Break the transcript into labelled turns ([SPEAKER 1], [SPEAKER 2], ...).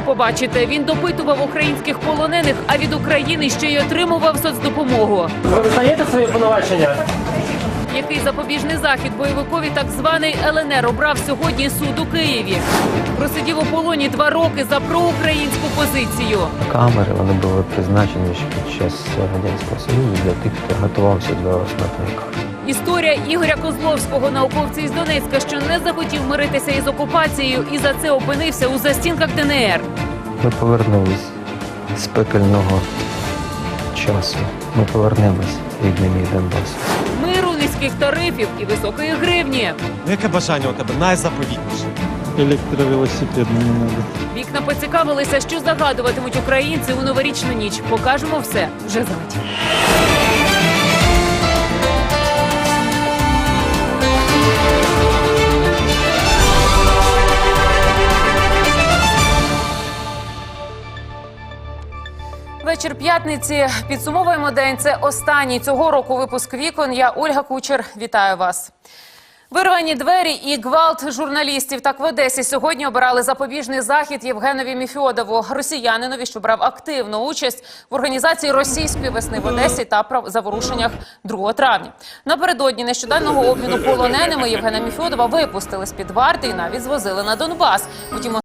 [SPEAKER 1] побачите. Він допитував українських полонених, а від України ще й отримував соцдопомогу.
[SPEAKER 2] Ви визнаєте свої обвинувачення?
[SPEAKER 1] Який запобіжний захід бойовикові так званий ЛНР обрав сьогодні суд у Києві. Просидів у полоні 2 роки за проукраїнську позицію.
[SPEAKER 3] Камери, вони були призначені ще під час Радянського Союзу для тих, хто готувався до смертної кари.
[SPEAKER 1] Історія Ігоря Козловського, науковця із Донецька, що не захотів миритися із окупацією і за це опинився у застінках ДНР.
[SPEAKER 3] Ми повернулись з пекельного часу. Ми повернемось рідний мій Донбас.
[SPEAKER 1] Миру, низьких тарифів і високої гривні.
[SPEAKER 4] Яке бажання у тебе найзаповітніше?
[SPEAKER 5] Электровелосипед мне не надо.
[SPEAKER 1] Вікна поцікавилися, що загадуватимуть українці у новорічну ніч. Покажемо все вже за мить. Вечір п'ятниці. Підсумовуємо день. Це останній цього року випуск «Вікон». Я Ольга Кучер. Вітаю вас. Вирвані двері і гвалт журналістів. Так в Одесі сьогодні обирали запобіжний захід Євгенові Міфьодову, росіянинові, що брав активну участь в організації російської весни в Одесі та заворушеннях 2 травня. Напередодні нещодавнього обміну полоненими Євгена Міфьодова випустили з-під варти і навіть звозили на Донбас. Втім,